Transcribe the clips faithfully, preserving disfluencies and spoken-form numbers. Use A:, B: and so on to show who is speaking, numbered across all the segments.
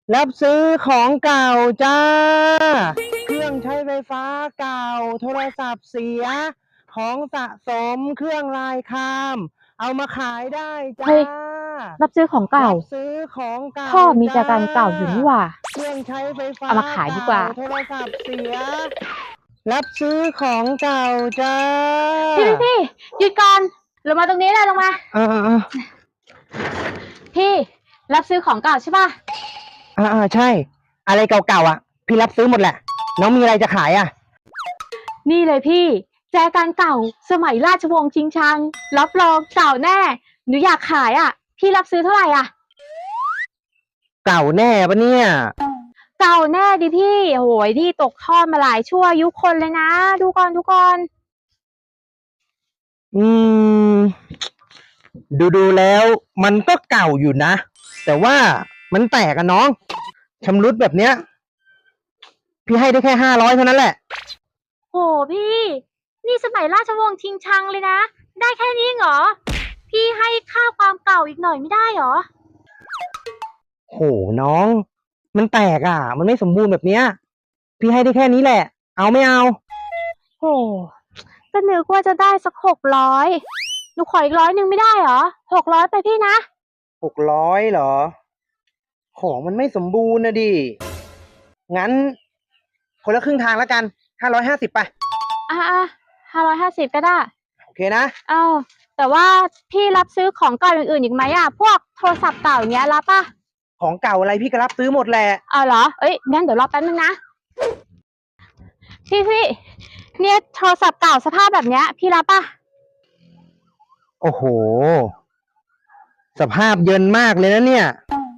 A: รับซื้อของเก่าจ้าเครื่องใช้ไฟฟ้าเก่าโทรศัพท์เสียของสะสมเครื่องลายคามเอามาขายได้จ้า
B: เฮ้ยรับซื้อของเก่า
A: รับซื้อของเก่า
B: พ่อมีแต่
A: จ้า
B: การเก่าอยู่นี่หว่า
A: เครื่องใช้ไฟฟ้า
B: เอามาขายดีกว่า
A: โทรศัพท์เสียรับซื้อของเก่าจ้า
B: พี่พี่พี่หยุดก่อนลงมาตรงนี้เลยลงมา
A: อ่า
B: พี่รับซื้อของเก่าใช่ป่ะ
A: อ่าอ่าใช่ อะไรเก่าๆอ่ะพี่รับซื้อหมดแหละน้องมีอะไรจะขายอ่ะ
B: นี่เลยพี่แจกันเก่าสมัยราชวงศ์ชิงชังรับรองเก่าแน่หนูอยากขายอ่ะพี่รับซื้อเท่าไหร่อ่ะ
A: เก่าแน่ปะเนี่ย
B: เก่าแน่ดิพี่โอ้ยนี่ตกทอดมาหลายชั่วอายุคนเลยนะดูก่อนดูก่อน
A: อืมดูดูแล้วมันก็เก่าอยู่นะแต่ว่ามันแตกอะน้องชำรุดแบบเนี้ยพี่ให้ได้แค่ห้าร้อยเท่านั้นแหละ
B: โหพี่นี่สมัยราชวงศ์ชิงชังเลยนะได้แค่นี้เหรอพี่ให้ค่าความเก่าอีกหน่อยไม่ได้เหรอ
A: โหน้องมันแตกอ่ะมันไม่สมบูรณ์แบบเนี้ยพี่ให้ได้แค่นี้แหละเอาไม่เอา
B: โหก็นึกว่าจะได้สักหกร้อยหนูขออีกร้อยหนึ่งไม่ได้เหรอหกร้อยไปพี่นะ
A: หกร้อยเหรอของมันไม่สมบูรณ์นะดิงั้นคนละครึ่งทางแล้วกันห้าร้อยห้าสิบไป
B: อ่าห้าร้อยห้าสิบก็ได้
A: โอเคนะ
B: เอ้าแต่ว่าพี่รับซื้อของเก่าอย่างอื่นอีกไหมอ่ะพวกโทรศัพท์เก่าอย่างเงี้ยรับป่ะ
A: ของเก่าอะไรพี่ก็รับซื้อหมดแหละ
B: เอาเหรอเอ้ยงั้นเดี๋ยวรอแป๊บนึงนะพี่พี่เนี่ยโทรศัพท์เก่าสภาพแบบเนี้ยพี่รับป่ะ
A: โอ้โหสภาพเยินมากเลยนะเนี่ย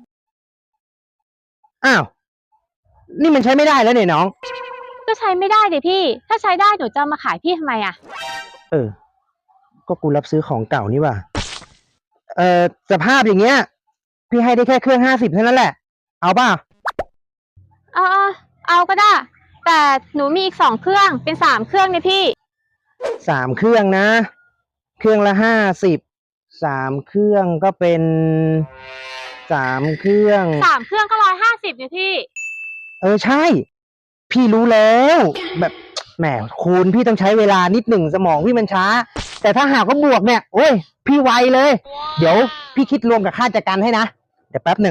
A: อ้าวนี่มันใช้ไม่ได้แล้วเนี่ยน้อง
B: ก็ใช้ไม่ได้ดิพี่ถ้าใช้ได้หนูจะมาขายพี่ทำไมอ่ะ
A: เออก็กูรับซื้อของเก่านี่ว่ะเออสภาพอย่างเงี้ยพี่ให้ได้แค่เครื่องห้าสิบเท่านั้นแหละเอาป่ะ
B: เอาเอาเอาก็ได้แต่หนูมีอีกสองเครื่องเป็นสามเครื่องเนี่ยพี่
A: สามเครื่องนะเครื่องละห้าสิบสามเครื่องก็เป็นสามเครื่อง
B: สามเครื่องก็ร้อยห้าสิบเนี่ยพี่
A: เออใช่พี่รู้แล้วแบบแหมคูณพี่ต้องใช้เวลานิดหนึ่งสมองพี่มันช้าแต่ถ้าหากว่าบวกเนี่ยโอ้ยพี่ไวเลยเดี๋ยวพี่คิดรวมกับค่าจัดการให้นะเดี๋ยวแป๊บหนึ่ง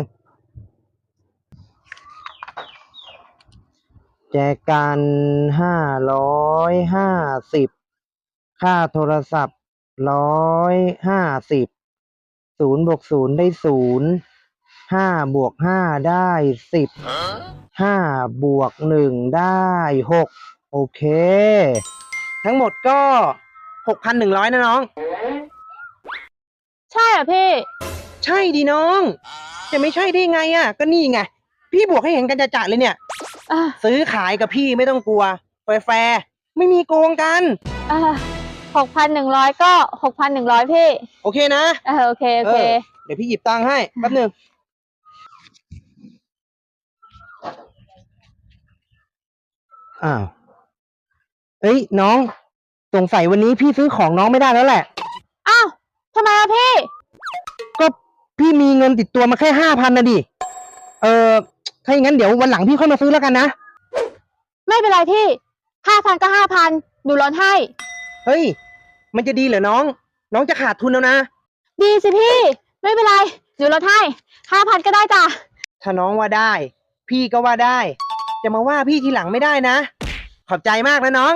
A: แจกันห้าร้อยห้าสิบค่าโทรศัพท์ร้อยห้าสิบศูนย์บวกศูนย์ได้ศูนย์ห้าบวกห้าได้สิบห้าบวกหนึ่งได้หกโอเคทั้งหมดก็หกพันหนึ่งร้อยนะน้อง
B: ใช่เหรอพี่
A: ใช่ดิน้องจะไม่ใช่ได้ไงอ่ะก็นี่ไงพี่บวกให้เห็นกันจะๆเลยเนี่ยซื้อขายกับพี่ไม่ต้องกลัวแฟร์ๆไม่มีโกงกัน
B: หกพันหนึ่งร้อยก็หกพันหนึ่งร้อยพี่
A: โอเคนะ
B: เออโอเคโอเค
A: เดี๋ยวพี่หยิบตังค์ให้แป๊บหนึ่งอ้าวเอ้ยน้องสงสัยวันนี้พี่ซื้อของน้องไม่ได้แล้วแหละ
B: อ้าวทำไมอะพี่
A: ก็พี่มีเงินติดตัวมาแค่ห้าพันนะดิเออถ้าอย่างนั้นเดี๋ยววันหลังพี่ค่อยมาซื้อแล้วกันนะ
B: ไม่เป็นไรพี่ห้าพันก็ห้าพันหนูลดให้
A: เฮ้ยมันจะดีเหรอน้องน้องจะขาดทุนแล้วนะ
B: ดีสิพี่ไม่เป็นไรหนูลดให้ห้าพันก็ได้จ้ะ
A: ถ้าน้องว่าได้พี่ก็ว่าได้จะมาว่าพี่ทีหลังไม่ได้นะขอบใจมากนะน้อง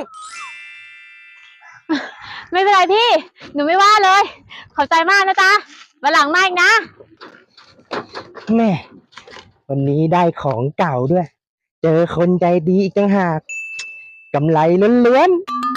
B: ไม่เป็นไรพี่หนูไม่ว่าเลยขอบใจมากนะจ๊ะวันหลังมาอีกนะ
A: แม่วันนี้ได้ของเก่าด้วยเจอคนใจดีอีกต่างหากกำไรล้วนๆ